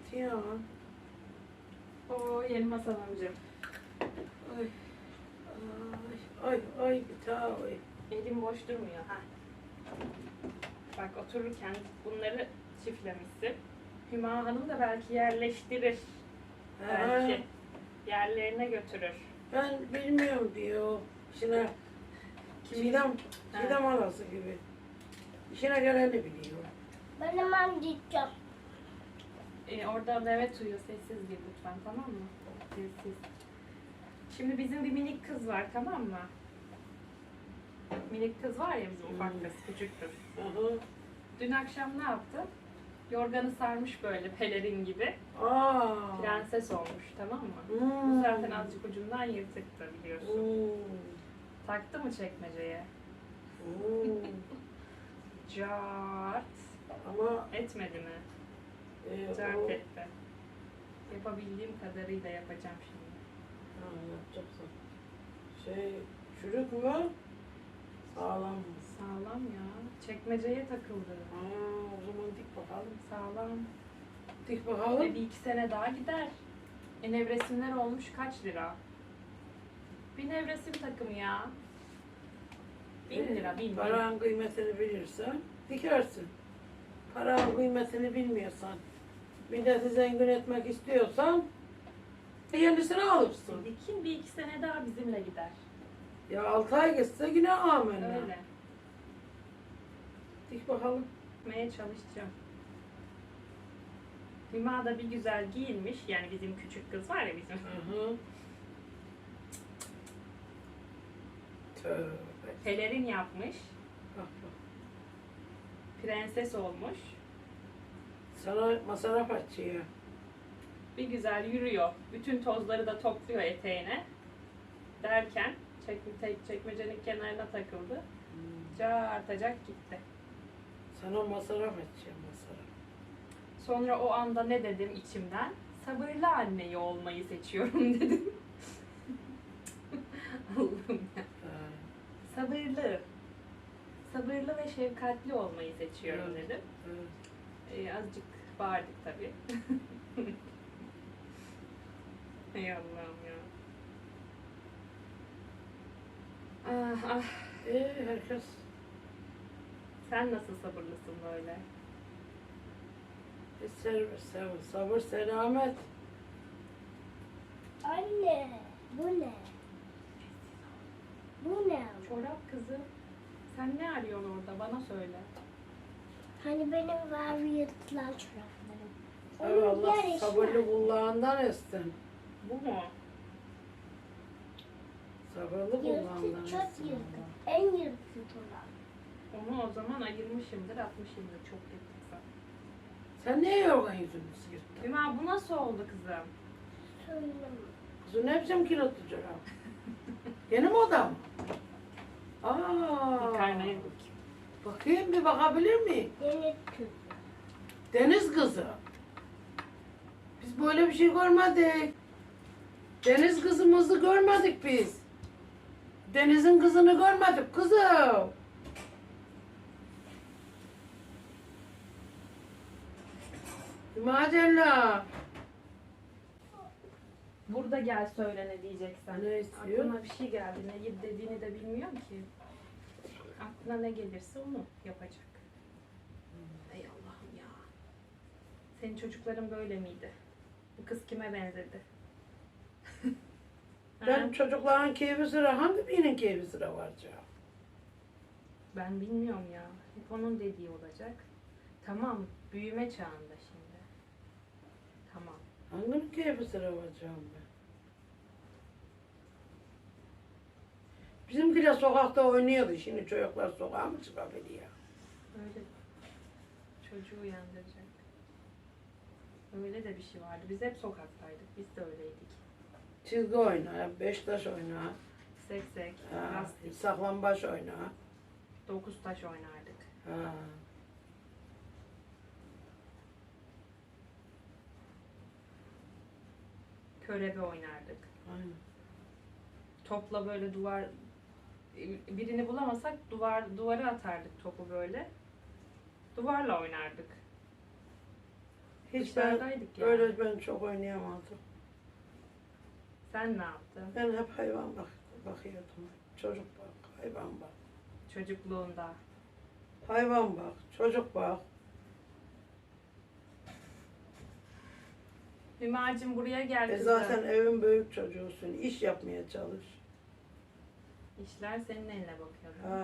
ya. Oo yeni masal amcam. Ay. Ay. Ay bir daha ay. Elim boş durmuyor ha. Bak otururken bunları çiftlemişsin. Hüma Hanım da belki yerleştirir. Belki yerlerine götürür. Ben bilmiyorum diyor. İşine Çiğdem halası gibi. İşine geleni biliyor. Ben hemen gideceğim. Orada Mehmet uyuyor. Sessiz gir lütfen, tamam mı? Sessiz. Şimdi bizim bir minik kız var, tamam mı? Minik kız var ya bizim ufak kız, küçük kız. Aha. Dün akşam ne yaptı? Yorganı sarmış böyle pelerin gibi. Aa. Prenses olmuş, tamam mı? Bu zaten azıcık ucundan yırtıktı biliyorsun. Taktı mı çekmeceye? Cart. Ama Etmedi mi? Cart etti. Yapabildiğim kadarıyla yapacağım şimdi. yapacaksın. Çürük mü? Sağlam mı? Sağlam ya. Çekmeceye takıldı. O zaman dik bakalım. Sağlam. Dik bakalım. Bir iki sene daha gider. Nevresimler olmuş kaç lira? Bir nevresim takımı ya. 1000 lira, 1000 lira. Paranın kıymetini bilirsen dikersin. Paranın kıymetini bilmiyorsan, milleti zengin etmek istiyorsan yenisini alırsın. Dikin bir iki sene daha bizimle gider. Ya 6 ay geçse yine amenna. Öyle. Dik bakalım. Gitmeye çalışacağım. Hüma da bir güzel giyinmiş. Yani bizim küçük kız var ya bizim. Hı. Tövbe. Pelerin yapmış. Bak bak. Prenses olmuş. Sana masraf açıyor. Bir güzel yürüyor. Bütün tozları da topluyor eteğine. Derken çekmecenin kenarına takıldı. Artacak gitti. Sana masraf açıyor masraf. Sonra o anda ne dedim içimden? Sabırlı anneyi olmayı seçiyorum dedim. Allah'ım ya. Sabırlı. Sabırlı ve şefkatli olmayı seçiyorum Evet. dedim. Evet. Azıcık bağırdık tabii. Ey Allah'ım ya. Ah ah. Herkes Sen nasıl sabırlısın böyle? sabır, selamet. Anne, bu ne? Bu ne? Çorap kızı. Sen ne arıyorsun orada? Bana söyle. Hani benim var yırtılan çoraplarım. Evet, Allah yarışı sabırlı var. kulağından etsin. Bu mu? Sabırlı kulağından Yırtık, çok etsin. yırtık. En yırtık olan. Onu o zaman ayırmışımdır, atmışımdır. Çok yırtıksa. Sen niye yorgan yüzünü sıyırttın? Hüma bu nasıl oldu kızım? Söyleme. Kızın ne biçim kilo tutacak abi? Yeni moda mı? Bir karnaya bakayım. Bakayım bir bakabilir miyim? Deniz kızı. Deniz kızı. Biz böyle bir şey görmedik. Deniz kızımızı görmedik biz. Deniz'in kızını görmedik kızım. Macella. Burada gel söyle ne diyeceksen. Ne istiyor? Aklıma bir şey geldi. Ne dediğini de bilmiyorum ki. Aklına ne gelirse onu yapacak. Ey Allah'ım ya. Senin çocukların böyle miydi? Bu kız kime benzedi? Ben Ha? çocukların keyfi sıra hangi birinin keyfi sıra var canım? Ben bilmiyorum ya. Hep onun dediği olacak. Tamam, büyüme çağında şimdi. Tamam. Hanginin keyfi sıra var canım ben? Bizimkiler sokakta oynuyordu. Şimdi çocuklar sokağa mı çıkabiliyor? Öyle çocuğu uyandıracak. Öyle de bir şey vardı. Biz hep sokaktaydık. Biz de öyleydik. Çizgi oyna, beştaş oyna, Seksek, ha, lastik, saklambaç oyna. 9 taş oynardık. Ha. Körebe oynardık. Aynen. Topla böyle birini bulamasak duvara atardık topu böyle. Duvarla oynardık. Hiç ben Dışarıdaydık yani. öyle ben çok oynayamadım. Sen ne yaptın? Ben hep hayvan bakıyordum. Çocuk bak, hayvan bak. Çocukluğunda. Hayvan bak, çocuk bak. Hümacığım buraya gel kızım. Zaten evin büyük çocuğusun. İş yapmaya çalış. İşler senin eline bakıyor. Ha.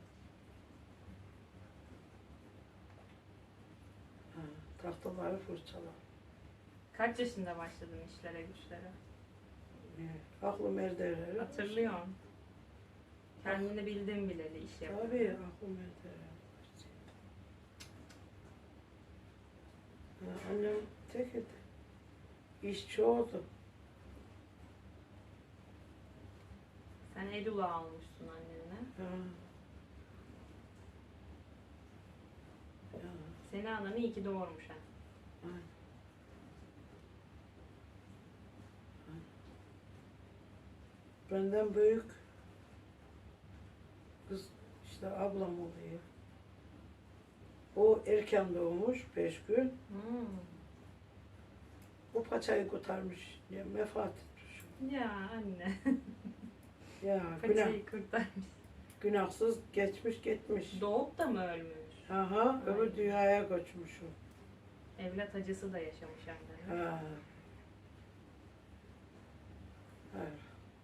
Ha, tahtaları fırçala. Kaç yaşında başladın işlere güçlere? Aklım erdirir. Hatırlıyorum. Kendini bildin bileli iş yapıyorsun. Tabii aklım erdirir. Annem tek idi. İş çoğdu. Sen el ulağı almışsın annene. Ha. Ya, Seni ananı iyi ki doğurmuş ha. aynen. Benden büyük kız işte ablam oluyor. O erken doğmuş 5 gün. Hmm. O paçayı kurtarmış. Ya, vefat etmiş. Ya anne. Ya Paçayı kurtarmış. günahsız geçmiş gitmiş. Doğup da mı ölmüş? Aha, öbür Ay. dünyaya göçmüş o. Evlat acısı da yaşamış anne. Ha. Evet.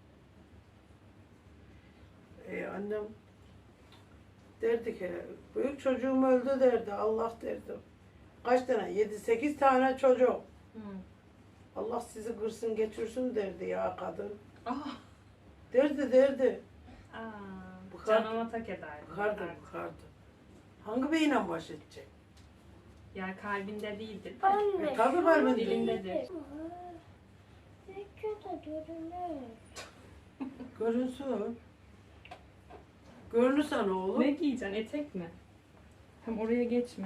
Annem derdi ki, büyük çocuğum öldü derdi, Allah derdi. Kaç tane? 7-8 tane çocuk. Hı. Allah sizi kırsın geçirsin derdi ya kadın. Ah. Derdi. Aa, Bıkardı. canıma tak ederdi. Bıkardı. Hangi beyle baş edecek? Yani kalbinde değildir. de. Anne. Tabii var mı? Dilindedir. Videoda görünür. Görünsün. Görünürsen oğlum. Ne giyeceksin? Etek mi? Hem oraya geçme.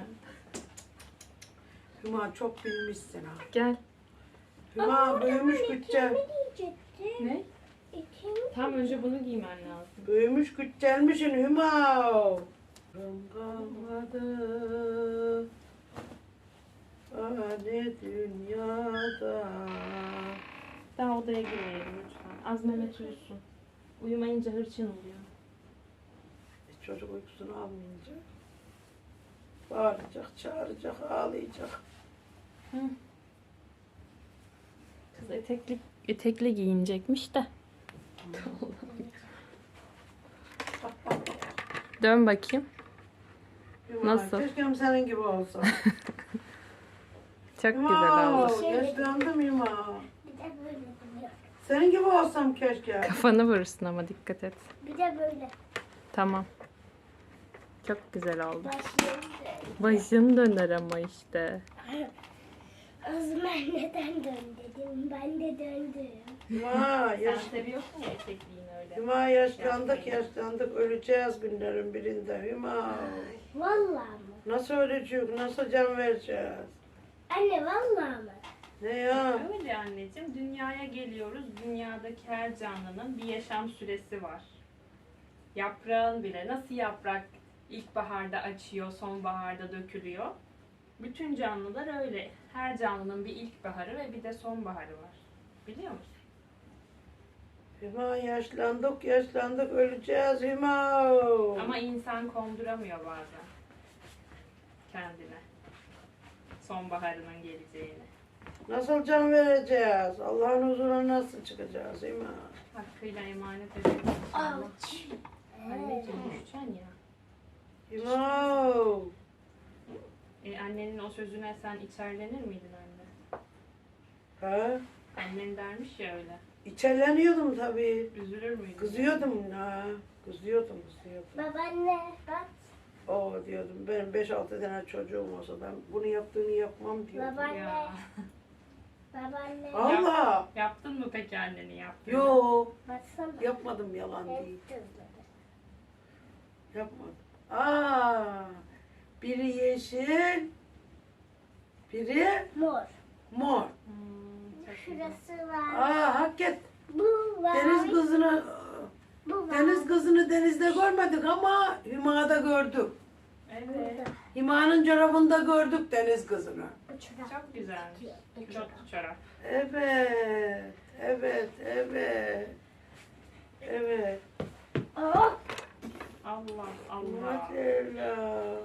Hüma çok bilmişsin ha. Gel. Hüma büyümüş güççel. Ne diyecektim? Ne? Eteğimi Tam önce bunu giymen lazım. Büyümüş güçcelmişsin Hüma. Kalmadı. Hani dünyada. Daha odaya girmeyelim lütfen. Az Mehmet uyusun. Uyumayınca hırçın oluyor. Çocuk uykusunu almayınca bağıracak, çağıracak, ağlayacak. Hı. Kız etekli giyinecekmiş de. Dön bakayım. Hüma, Nasıl? keşke senin gibi olsa. Çok Hüma, güzel oldu. yaşlandım Hüma. bir de böyle duruyor. Senin gibi olsam keşke. Kafanı vurursun ama dikkat et. Bir de böyle. Tamam. Çok güzel oldu. Başlayalım. Başın döner ama işte. Azmer neden dön dedim. Ben de döndüm. Hüma, seviyorsun ya etekliğini öyle. Hüma yaşlandık, öleceğiz günlerin birinde Hüma. Vallahi mı? Nasıl öleceğiz, nasıl can vereceğiz? Anne vallahi mı? Ne ya? Öyle anneciğim. Dünyaya geliyoruz. Dünyadaki her canlının bir yaşam süresi var. Yaprağın bile nasıl yaprak ilkbaharda açıyor, sonbaharda dökülüyor. Bütün canlılar öyle. Her canlının bir ilkbaharı ve bir de sonbaharı var. Biliyor musun? Hüma yaşlandık, öleceğiz Hüma. Ama insan konduramıyor bazen kendine. Sonbaharının geleceğini. Nasıl can vereceğiz? Allah'ın huzuruna nasıl çıkacağız Hüma? Hakkıyla emanet ediyoruz inşallah. Aç. Anneciğim düşeceksin ya. Hüma. Annenin o sözüne sen içerlenir miydin anne? Ha? Annen dermiş ya öyle. İçerleniyordum tabii. Üzülür müydün? Kızıyordum ha. Kızıyordum. Babaanne bak. O diyordum benim 5-6 tane çocuğum olsa ben bunu yaptığını yapmam diyordum. Babaanne. Ya. Babaanne. Allah. Yaptın mı peki anneni yaptın? Yo. Baksana. Yapmadım yalan değil. Hep tuzladı. Yapmadım. Aa. Biri yeşil. Biri Mor. mor. Çok güzel. Şurası var. Aa hakikat. Bu var. Deniz kızını denizde görmedik ama Hüma'da gördük. Evet. Hima'nın çorabında gördük deniz kızını. Bu çorap. Çok güzelmiş. Bu çorap. Çok çorap. Evet. Evet. Evet. Evet. Oh. Allah Allah. Maşallah.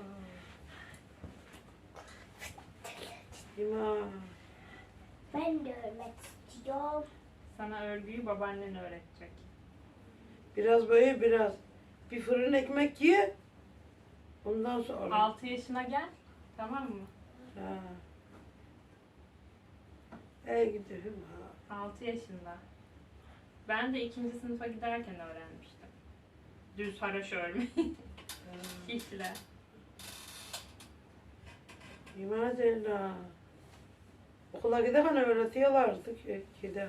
Hima. Ben de örmek istiyorum. Sana örgüyü babaannen öğretecek. Biraz böyle biraz. Bir fırın ekmek ye. Ondan sonra. 6 yaşına gel. Tamam mı? Ha. Ey gidi Hima. 6 yaşında. Ben de 2. sınıfa giderken öğrenmiştim. Düz haraş örmeyi. Şişle. Maşallah. Okula giderken öğretiyorlardı ki gide.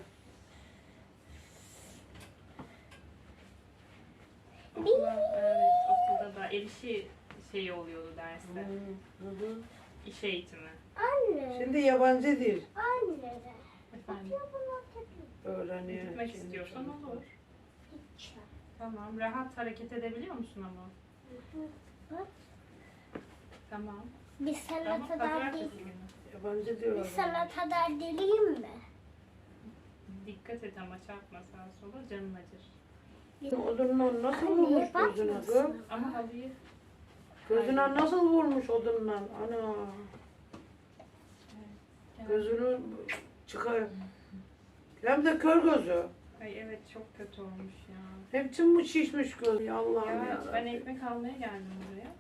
Evet, okulda da el işi şeyi oluyordu derste. Hı hı. İş eğitimi. Anne. Şimdi yabancı dil Anne. Efendim, öğreniyor. gitmek şimdi istiyorsan çocuklar. olur. Tamam, rahat hareket edebiliyor musun ama? Tamam. Bir sana Tamam, kadar pazartesi değil. günü. Yabancı Bir diyorlar. sana kadar deliyim mi? Dikkat et ama çarpma sağa sola, canın acır. Odunla nasıl Anne, vurmuş bak gözüne nasıl? kız? Ama halıyı Gözüne nasıl vurmuş odunla? Ana. Gözünü çıkar. Hem de kör gözü. Ay evet, çok kötü olmuş ya. Hepsi mi şişmiş göz? Ya Allah'ım Ya ya. ben ekmek almaya geldim buraya.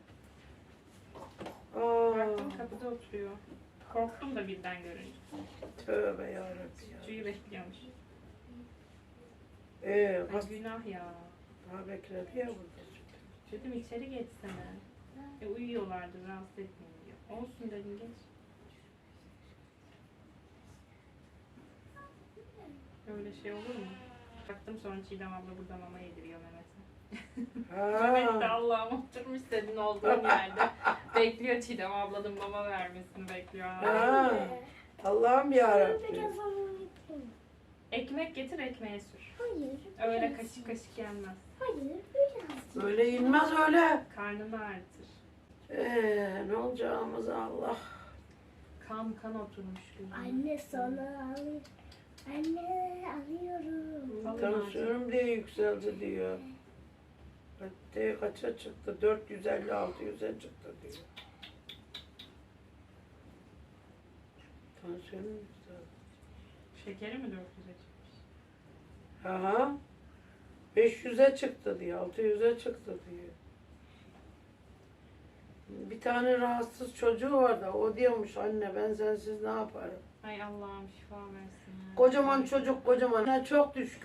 Aa, Baktım kapıda oturuyor. Korktum da birden görünce. tövbe yarabbim ya. Suyu bekliyormuş. Ay, Ay günah ya. daha bekledi ya burada. Dedim içeri geçsene. Uyuyorlardı, rahatsız etmeyin diyor. Olsun dedim, geç. Öyle şey olur mu? Baktım sonra Çiğdem abla burada mama yediriyor Mehmet'e. Mehmet de Ha. Allah'ım oturmuş senin olduğun yerde. Bekliyor Çiğdem ablanın mama vermesini bekliyor. Ha. Allah'ım yarabbim. Biraz onu yapayım. Ekmek getir, ekmeğe sür. Hayır. Öyle biraz. kaşık kaşık yenmez. Hayır biraz. Böyle inmez öyle. Karnını ağrıtır. Ne olacağımız Allah. Kan kan oturmuş gözüne. Anne sana alıyorum. Anne alıyorum. Alın Tansiyonum diye yükseldi diyor. Hatta kaça çıktı? 450-600'e çıktı diyor. Tansiyonum yükseldi. Şekeri mi 400'e çıkmış? Aha. 500'e çıktı diyor. 600'e çıktı diyor. Bir tane rahatsız çocuğu var da o diyormuş anne ben sensiz ne yaparım? Ay Allah'ım şifa versin. ya. Kocaman çocuk kocaman. Ne çok düşkün.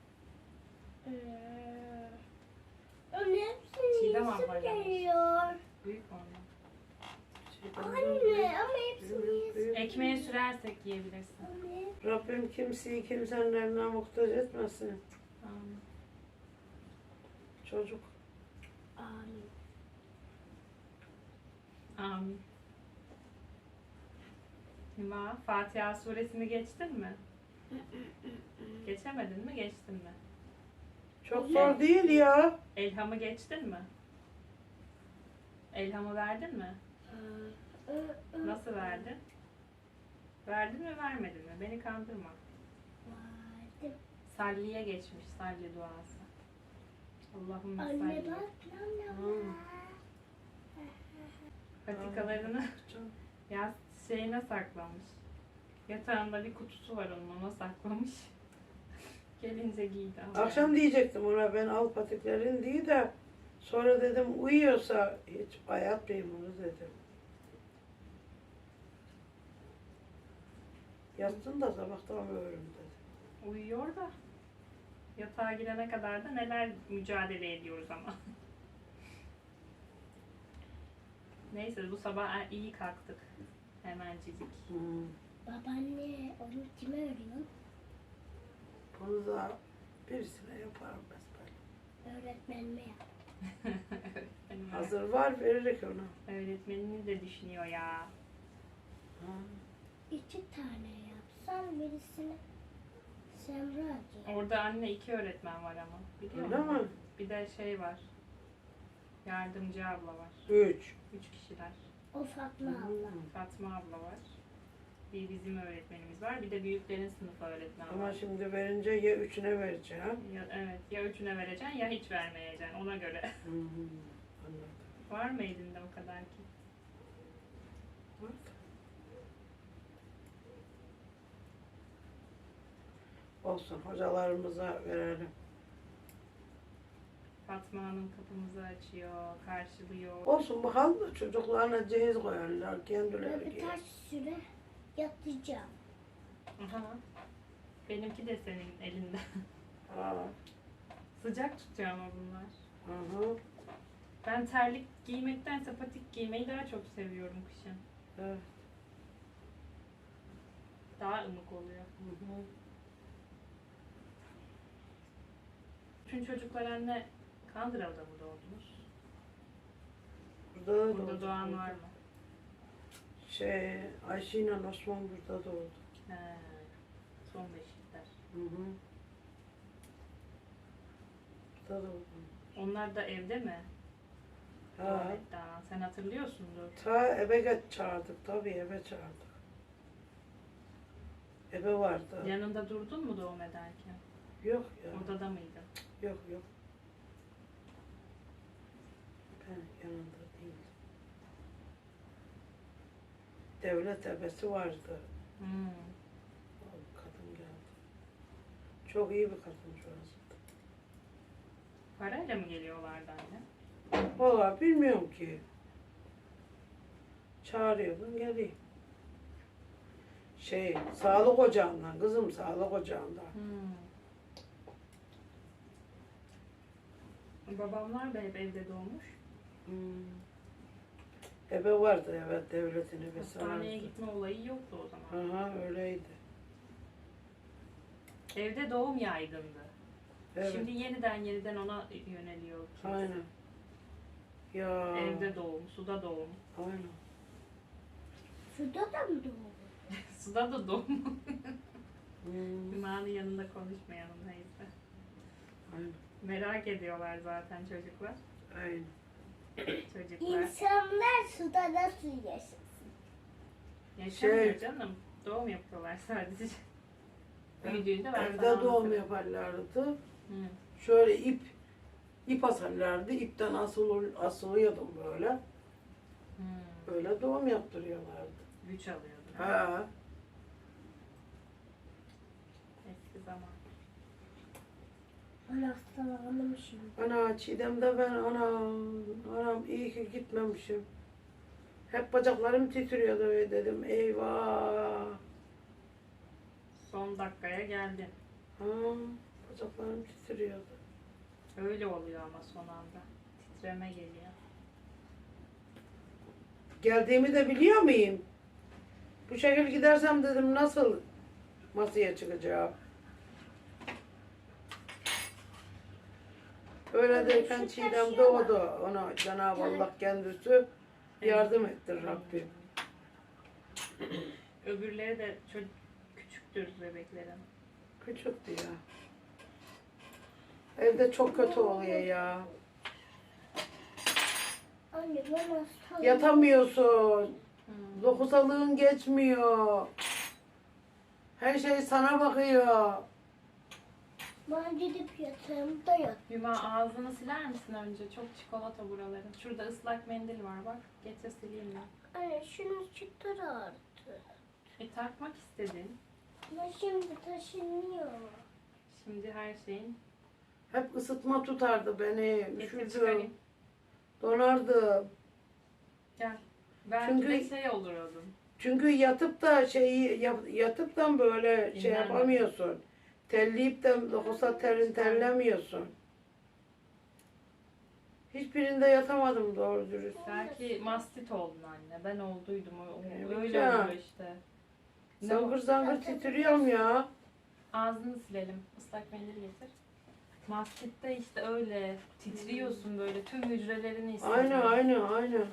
Onun hepsini Çiğdem yesim ablayla mı? geliyor. Büyük ondan. Anne ama hepsini yesim. Ekmeğe sürersek yiyebilirsin. Anne. Rabbim kimseyi kimsenin eline muhtaç etmesin. Amin. Çocuk. Amin. Amin. Hüma, Fatiha suresini geçtin mi? Geçemedin mi, geçtin mi? Çok zor değil ya. Elham'ı geçtin mi? Elham'ı verdin mi? Nasıl verdin? Verdin mi, vermedin mi? Beni kandırma. Vardım. Salliye geçmiş, salli duası. Allahümme Anne salli. bak lan Hmm. Patikalarını ya şeyine saklamış. Yatağında bir kutusu var onun, ona saklamış. Gelince giydi. Akşam diyecektim ona ben al patiklerin diye de sonra dedim uyuyorsa hiç bayatmayayım onu dedim. Yatsın da sabahtan ölürüm dedim. Uyuyor da yatağa girene kadar da neler mücadele ediyoruz ama. Neyse bu sabah iyi kalktık. Hemencik. Babaanne onu kime örüyorsun? Bunu da birisine yaparım besbelli. Öğretmenime yap. Öğretmenim, Hazır var veririk ona. öğretmenini de düşünüyor ya. Ha. 2 tane yapsan birisini Semra diye. Orada anne 2 öğretmen var ama. Biliyor Öyle musun? mi? Bir de şey var. Yardımcı abla var. 3. 3 kişiler. O Fatma abla. Fatma abla var. Bir bizim öğretmenimiz var. Bir de büyüklerin sınıf öğretmeni Ama var. şimdi verince ya üçüne vereceğim. Evet, ya üçüne vereceksin ya hiç vermeyeceksin ona göre. Anladım. Var mı elinde o kadar ki? Olsun, hocalarımıza verelim. Fatma Hanım kapımızı açıyor, karşılıyor. Olsun bakalım da çocuklarına cehiz koyarlar kendileri giyer. Birkaç süre yatacağım. Aha. Benimki de senin elinde. Ha, Sıcak tutuyor ama bunlar. hı. Ben terlik giymektense patik giymeyi daha çok seviyorum kışın. Evet. Daha ılık oluyor. Hı. Bütün çocuklar anne Kandıra'da mı doğdunuz? Burada da Burada doğdu. doğan var mı? Ayşe ile Osman burada doğdu. He. Son beşikler. Hı. Burada doğdu. Onlar da evde mi? Ha. Tuvalette anan. Sen hatırlıyorsundur. Ta eve çağırdık tabii eve çağırdık. Eve vardı. Yanında durdun mu doğum ederken? Yok ya. Odada mıydın? Yok. Ben yanında değildim. Devlet ebesi vardı. Hmm. O kadın geldi. Çok iyi bir kadın şurası. Parayla mı geliyorlardı anne? Valla bilmiyorum ki. Çağırıyordum geleyim. Sağlık ocağından kızım sağlık ocağından. Babamlar da hep evde doğmuş. Ebe vardı evet devletin ebesi Hastaneye vardı. gitme olayı yoktu o zaman. Aha öyleydi. Evde doğum yaygındı. Evet. Şimdi yeniden ona yöneliyor. kimse. Aynen. Ya. Evde doğum, suda doğum. Aynen. Suda da mı doğdu? Suda da doğum. Hmm, Hüma'nın yanında konuşmayalım neyse. aynen. Merak ediyorlar zaten çocuklar. Aynen. Çocuklar. İnsanlar suda nasıl yaşasın? Yaşamıyor canım. Doğum yapıyorlar sadece. Büyüdüğünde ben Evde sana doğum anlatırım. yaparlardı. Hı. Şöyle ip asarlardı. İpten asılıyordum böyle. Hı. Böyle doğum yaptırıyorlardı. Güç alıyordun. Ha. Eski zaman. Ben hastalandım şimdi. Ana Çiğdem'de ben anam iyi ki gitmemişim. Hep bacaklarım titriyordu ve dedim eyvah. Son dakikaya geldin. Ha, bacaklarım titriyordu. Öyle oluyor ama son anda. Titreme geliyor. Geldiğimi de biliyor muyum? Bu şekil gidersem dedim nasıl masaya çıkacağım. Öyle derken Çiğdem doğdu. Ona Cenab-ı Allah kendisi yardım etti Rabbim. Öbürleri de küçüktür bebeklerin. Küçüktü ya. Evde çok kötü oluyor ya. Anne ben hastalandım. Yatamıyorsun. Lohusalığın geçmiyor. Her şey sana bakıyor. Ben gidip yatağımda yat. Hüma ağzını siler misin önce? Çok çikolata buraların. Şurada ıslak mendil var bak. Getir sileyim ben. Anne şunu çıkar artık. Takmak istedin. Ama şimdi taşınıyor. Şimdi her şeyin. Hep ısıtma tutardı beni. Getir Üşürdüm. çıkarayım. Donardım. Gel. Belki Çünkü- de şey olurdun. Çünkü yatıp da yatıp da böyle şey Dinlenme. yapamıyorsun. Telleyip de lohusa terlemiyorsun. Hiçbirinde yatamadım doğru dürüst. Belki mastit oldun anne. Ben olduydum. Evet Öyle ya. oluyor işte. Ne Zangır o? zangır titriyorum ya. Ağzını silelim. Islak mendil getir. Mastitte işte öyle titriyorsun böyle tüm hücrelerini hissediyorsun. Aynen.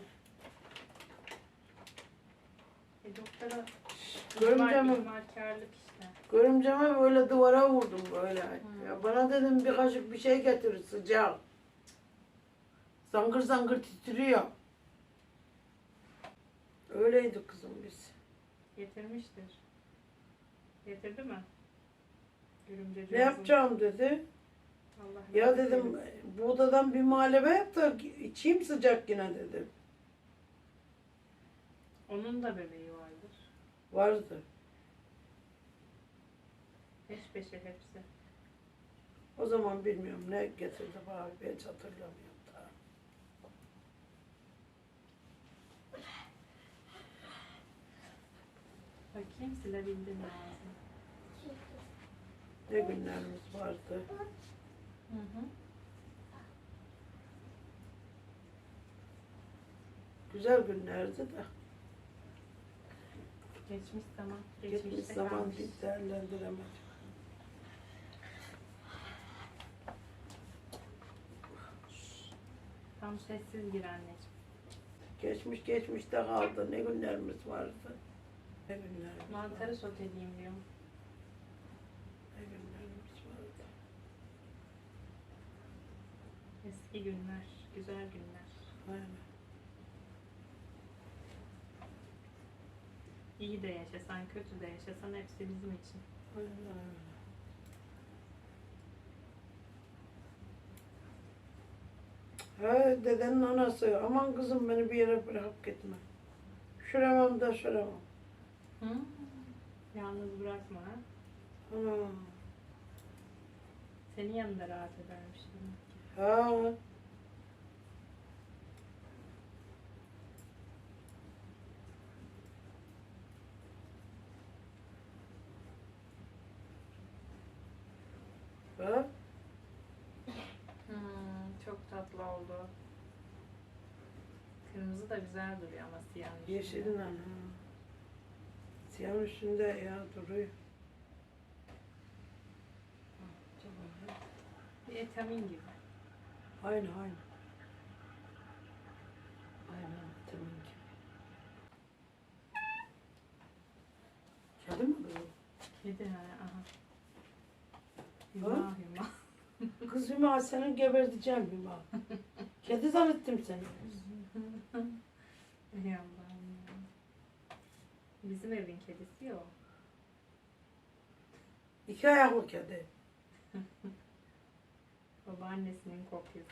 Doktora Görümceme, ihmalkarlık işte. görümceme böyle duvara vurdum böyle. Ya bana dedim bir kaşık bir şey getir sıcak. Zangır zangır titriyor. Öyleydi kızım biz. Getirmiştir. Getirdi mi? Görümceci Ne yapacağım dedi. Allah Ya rahmet dedim eylesin. buğdadan bir muhalebe yap da içeyim sıcak yine dedim. Onun da bebeği vardır. Vardı. Peş peşe hepsi. O zaman bilmiyorum ne getirdi bana hiç hatırlamıyorum daha. Bakayım silebildin mi ağzını? Ne günlerimiz vardı. Hı hı. Güzel günlerdi de. Geçmiş zaman. Geçmiş Geçmişte zaman kalmış. bir değerlendiremedim. Tam sessiz gir anneciğim. Geçmiş geçmişte kaldı. Ne günlerimiz vardı. Ne günlerimiz Mantarı vardı. soteleyeyim diyorum. Ne günlerimiz vardı. Eski günler, güzel günler. Aynen. İyi de yaşasan, kötü de yaşasan hepsi bizim için. Aynen öyle. Ha dedenin anası. Aman kızım beni bir yere bırakıp gitme. Şuramam da şuramam. Hı? Yalnız bırakma ha. Ha. Senin yanında rahat edermiş demek ki. Ha. Ha. Çok tatlı oldu. Kırmızı da güzel duruyor ama siyahın üstünde. Yeşilin ha. Siyahın üstünde ya duruyor. Çok güzel. Bir etamin gibi. Aynı aynı. Aynen vitamin gibi. Kedi mi kızım? Kedi ha. Aha. Ha? Hüma hüma. Kız Hüma seni geberteceğim Hüma. Kedi zannettim seni. Ey Allah'ım ya. Bizim evin kedisi o. İki ayaklı kedi. Babaannesinin kopyası.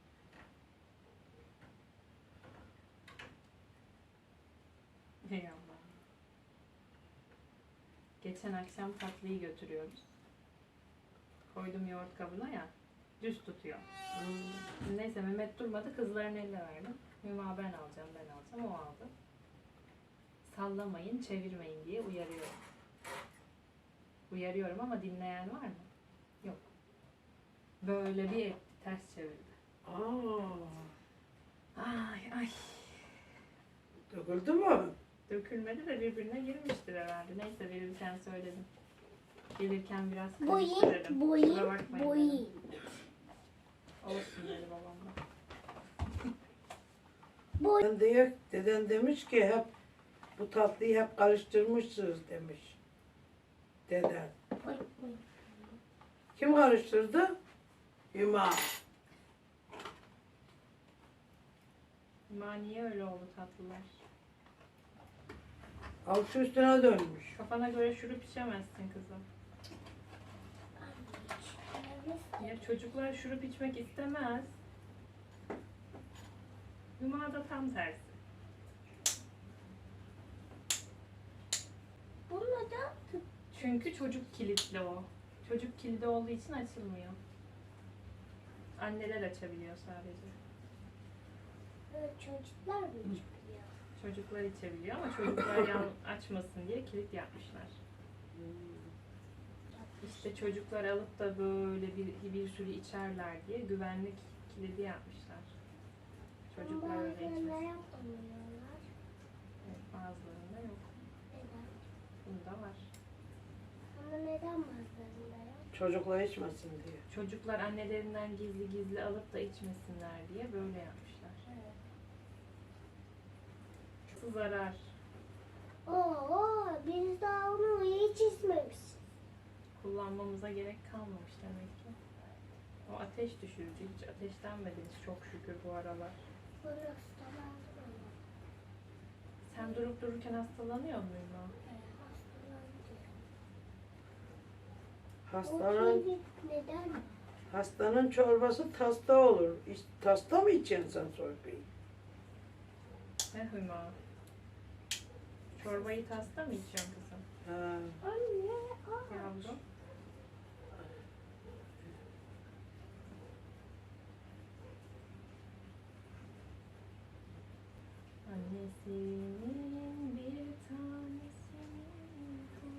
Ey Allah'ım. Geçen akşam tatlıyı götürüyoruz. Koydum yoğurt kabına ya. Düz tutuyor. Neyse Mehmet durmadı. Kızların eline verdim. Hüma ben alacağım, ben alacağım. O aldı. Sallamayın, çevirmeyin diye uyarıyorum. Uyarıyorum ama dinleyen var mı? Yok. Böyle bir etti, ters çevirdi. Ay ay. Döküldü mü? Dökülmedi de birbirine girmiştir herhalde. Neyse verirken söyledim. Gelirken biraz Boyun, karıştırırım. Kusura boyun, bakmayın boyun. dedim. Olsun dedi babam da. Deden demiş ki hep bu tatlıyı hep karıştırmışsınız demiş. Deden. Boy, boy. Kim karıştırdı? Hüma. Ama niye öyle oldu tatlılar? Alçı üstüne dönmüş. Kafana göre şurup içemezsin kızım. Ya çocuklar şurup içmek istemez. Hüma da tam tersi. Bununla da Çünkü çocuk kilitli o. Çocuk kilidi olduğu için açılmıyor. Anneler açabiliyor sadece. çocuklar mı çıkıyor? Çocuklar içebiliyor ama çocuklar yan açmasın diye kilit yapmışlar. İşte çocuklar alıp da böyle bir sürü içerler diye güvenlik kilidi yapmışlar. Çocuklar öyle Bazılarına içmesin. yapamıyorlar. Evet, bazılarında yok. Neden? Bunda var. Ama neden bazılarında yok? Çocukla içmesin diye. Çocuklar annelerinden gizli gizli alıp da içmesinler diye böyle yapmışlar. Evet. Çok zarar. Oo, biz daha onu hiç içmemişiz. Kullanmamıza gerek kalmamış demek ki. O ateş düşürücü. Hiç ateşlenmediniz çok şükür bu aralar. Burası da lazım. Sen durup dururken hastalanıyor muydun? Hastanın, Neden? hastanın çorbası tasta olur. Tasta mı içeceksin sen çorbayı? Ne Hüma? Çorbayı tasta mı içiyorsun kızım? Ha. Anne, Yavrum. Annesinin bir tanesinin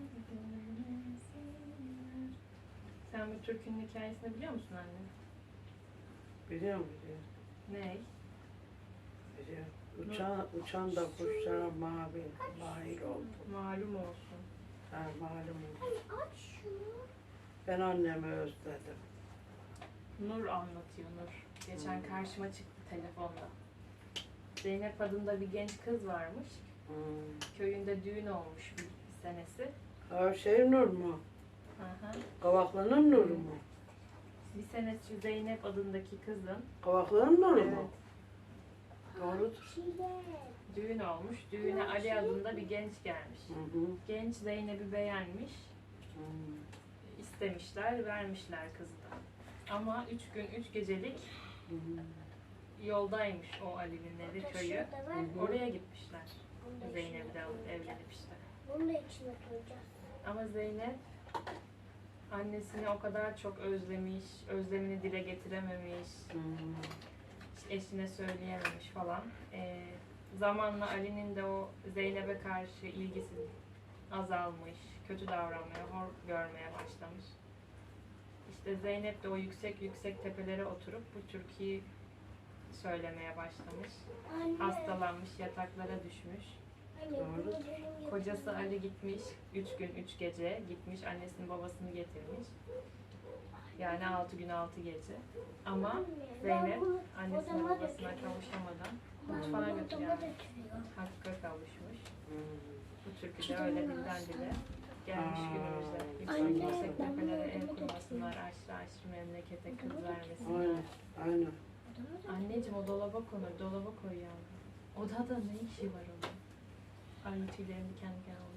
görmesinler. Sen bu türkünün hikayesini biliyor musun anne? Biliyorum. Ne? Biliyorum. Uçan da kuşlara mavi, mahir oldu. Malum olsun. Ha, malum oldu. anne aç şunu. Ben annemi özledim. Nur anlatıyor Nur. Geçen karşıma çıktı telefonda. Zeynep adında bir genç kız varmış. Köyünde düğün olmuş bir senesi. Ha, şey Nur mu? Hı hı. Kavaklı'nın Nur'u mu? Bir senesi Zeynep adındaki kızın Kavaklı'nın Nur'u Evet. mu? Doğrudur. Çilek. düğün olmuş. Düğüne Ali adında bir genç gelmiş. Hı hı. Genç Zeynep'i beğenmiş. Hı. İstemişler, vermişler kızı da. Ama 3 gün 3 gecelik Hı. yoldaymış o Ali'nin evi, köyü. Şurada var. Hı hı. Oraya gitmişler. Bunu da Zeynep'i içine de alıp koyacağız. evlenip işte. Bunu da içine koyacağız. Ama Zeynep annesini o kadar çok özlemiş, özlemini dile getirememiş, Hı. eşine söyleyememiş falan. Zamanla Ali'nin de o Zeynep'e karşı ilgisi azalmış, kötü davranmaya, hor görmeye başlamış. İşte Zeynep de o yüksek yüksek tepelere oturup bu türküyü söylemeye başlamış. Anne. Hastalanmış, yataklara düşmüş. Anne bunu Doğru. benim Kocası yatağıma- Ali gitmiş, 3 gün 3 gece gitmiş, annesini babasını getirmiş. Yani 6 gün 6 gece. Ama Anne, Zeynep ben bunu annesine odama babasına götürüyorum. kavuşamadan Ben mutfağa bunu götürüyor. odama götürüyorum. Hakka kavuşmuş. Hı. Bu türkü de öyle dilden dile gelmiş Aa. günümüze. Yüksek Anne, yüksek ben tepelere bunu ev odama kurmasınlar, aşırı aşırı memlekete kız Aynen. vermesinler. Aynen. Odama da- Anneciğim o dolaba konur, dolaba koy yavrum. Odada ne işi var onun? Ay tüylerim diken diken oldu.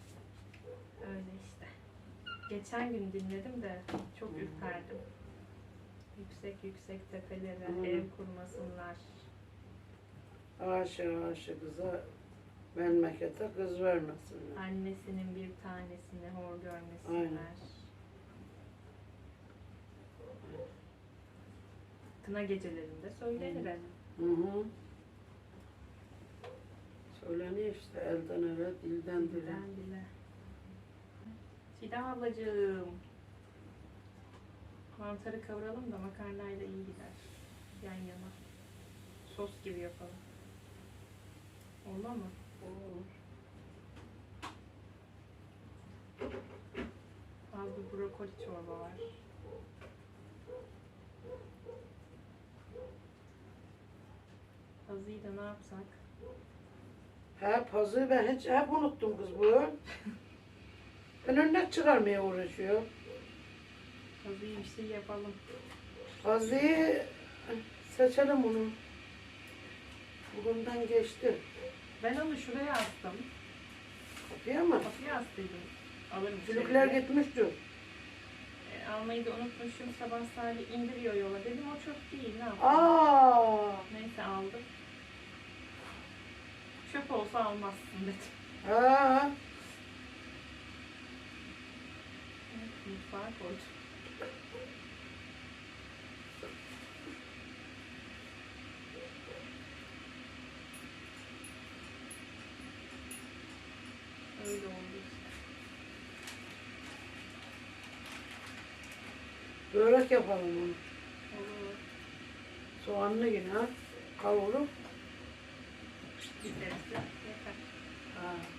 Öyle işte. Geçen gün dinledim de çok ürperdim. Yüksek yüksek tepelere Hı. ev kurmasınlar. Aşık kıza memlekete kız vermesinler. Annesinin bir tanesini hor görmesinler. Kına gecelerinde söylenir hep. Hı hı. Söyleniyor işte elden ele, dilden dile. Dilden dile. Çiğdem ablacığım. Mantarı kavuralım da makarnayla iyi gider. Yan yana. Sos gibi yapalım. Olmaz mı? Olur. Az bir brokoli çorba var. Azıyı da ne yapsak? Hep hazır ben hep unuttum kız bu. Ben örnek çıkarmaya uğraşıyor. Azıyı bir şey yapalım. Hazıyı seçelim bunu. Bugünden geçti. Ben onu şuraya astım. Kapıya mı? Kapıya astıydım. Alırım Çocuklar içeri. gitmişti. Almayı da unutmuşum. Sabah Salih indiriyor yola. Dedim o çöp değil. Ne yapayım? Aa, Neyse aldım. Çöp olsa almazsın dedim. ha, Mutfağa koydum. Öyle oldu işte. börek yapalım onu. Olur. Soğanlı yine kavurup. Giderse yeter. Ha.